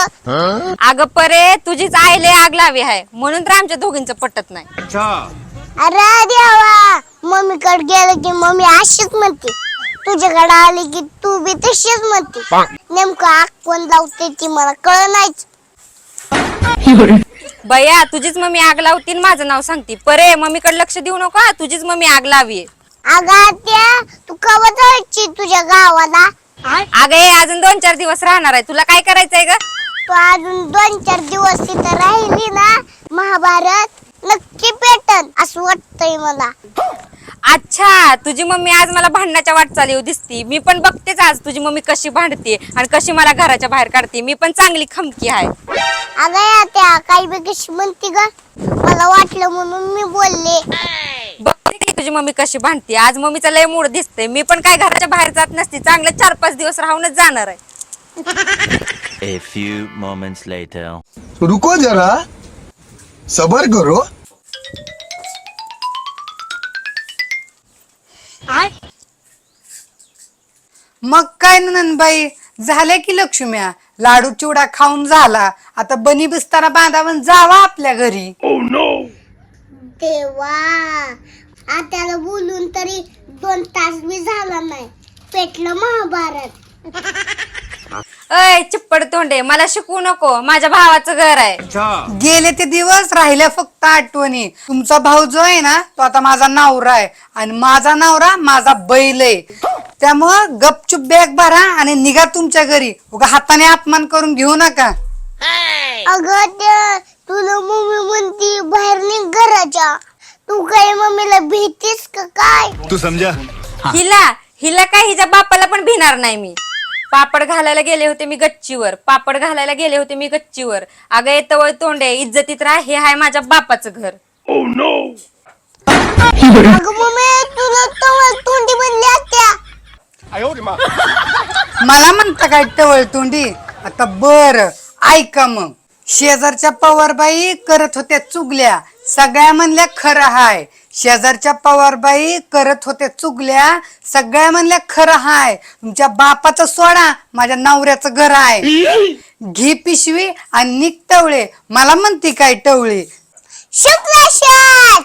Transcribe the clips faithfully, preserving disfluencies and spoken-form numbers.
अगं परे तुझीच आईले आग लावी आहे म्हणून तर आमच्या दोघींचं पटत नाही. अरे देवा, मम्मीकडे गेलं की मम्मी अशीच म्हणते, तुझ्याकडे आली की तू बी तशीच म्हणते. नेमकं आग कोण लावते ती मला कळ नाहीच. बया तुझीच मम्मी आग लावती माझं नाव सांगती. परे मम्मीकडे लक्ष देऊ नका, तुझीच मम्मी आग लावी. अगं त्या तू कवा जायची तुझ्या गावाला? अगं हे अजून दोन चार दिवस राहणार आहे, तुला काय करायचंय ग? तू अजून दोन चार दिवस तिथं राहिली ना, महाभारत नक्की पेटन असं वाटतंय मला. अच्छा, तुझी मम्मी आज मला भांडणाच्या वाटचाली दिसती. मी पण बघतेच आज तुझी मम्मी कशी भांडते आणि कशी मला घराच्या बाहेर काढते. मी पण चांगली खमकी आहे. अगं या त्या काही बी कशी म्हणते ग, मला वाटलं म्हणून मी बोलले. बघते तुझी मम्मी कशी भांडते. आज मम्मीचा लय मूड दिसते. मी पण काय घराच्या बाहेर जात नसते, चांगलं चार पाच दिवस राहूनच जाणार आहे. A few moments later. रुको जरा, सबर करो. मग काय नंदबाई, झाले की लक्ष्म्या, लाडू चिवडा खाऊन झाला. आता बनी बिस्तारा बांधावून जावा आपल्या घरी. देवा, आत्याला बोलून तरी दोन तास बी झाला नाही, पेटलं महाभारत. अय चिप्पड तोंडे, मला शिकवू नको, माझ्या भावाचं घर आहे. गेले ते दिवस राहिल्या फक्त आठवणी. तुमचा भाऊ जो आहे ना, तो आता माझा नवरा आहे आणि माझा नवरा माझा बैल आहे. त्यामुळं गपचूप बॅग भरा आणि निघा तुमच्या घरी. उगा हाताने अपमान करून घेऊ नका. अगं त्या तुला मम्मी म्हणती बाहेर निघ घराच्या, तू काय मम्मीला भीतीस का काय? तू समझा? हिला हिला काय हिच्या बापाला पण भिणार नाही मी. पापड घालायला गेले होते मी गच्चीवर, पापड घालायला गेले होते मी गच्चीवर. अगं येतवळ तोंडे, इज्जतीत राह, हे आहे माझ्या बापाचं घर. अगं मम्मी तुला तवळ तोंडी म्हणली आत्या. मला म्हणता काय टवळ तोंडी? आता बर ऐका मग. शेजारच्या पवारबाई करत होत्या चुगल्या, सगळ्या म्हणल्या खरं हाय. शेजारच्या पवारबाई करत होत्या चुगल्या, सगळ्या म्हणल्या खरं हाय. तुमच्या बापाचं सोडा, माझ्या नवऱ्याचं घर आहे. घी पिशवी आणि निक टवळे, मला म्हणती काय टवळे? शुक्लाशात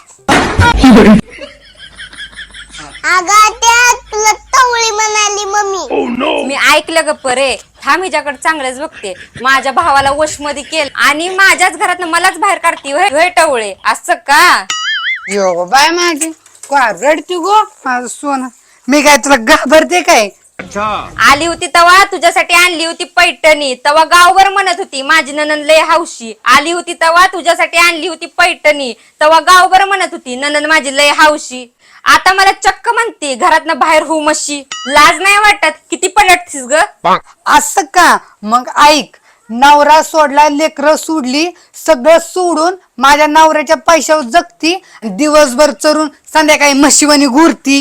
अगं त्या तुला टवळी म्हणाली मम्मी. मी ऐकलं ग परे, थांब हिच्याकडे चांगलंच बघते. माझ्या भावाला वशमध्ये केलं आणि माझ्याच घरात मलाच बाहेर काढती होय टवळे, असं का? यो बाय माझी का रडती गो माझं सोनं. मी काय तुला घाबरते काय? आली होती तवा तुझ्यासाठी आणली होती पैठणी, तवा गावभर म्हणत होती माझी ननंद लय हौशी. आली होती तवा तुझ्यासाठी आणली होती पैठणी, तवा गावभर म्हणत होती ननंद माझी लय हौशी. आता मला चक्क म्हणते घरातनं बाहेर होऊ मशी. लाज नाही वाटत? किती पलटतीस ग? असं का? मग ऐक, नवरा सोडला, लेकरं सोडली, सगळं सोडून माझ्या नवऱ्याच्या पैशावर जगती, दिवसभर चरून संध्याकाळी म्हशीवानी घुरती.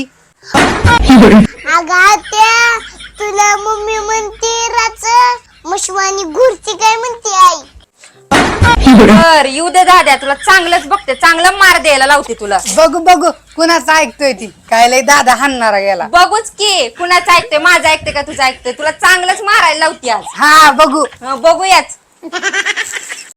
अगं त्या तुला मम्मी म्हणते राच मशवानी घुरती काय म्हणते आई? बर येऊ दे दाद्या, तुला चांगलंच बघते, चांगलं मार द्यायला लावते तुला. बघू बघू कुणाचं ऐकतोय ती, काय लय दादा हाणणारा गेला. बघूच की कुणाचं ऐकते, माझं ऐकते का तुझं ऐकते? तुला चांगलंच मारायला लावते आज. हा बघू. हं, बघूयाच.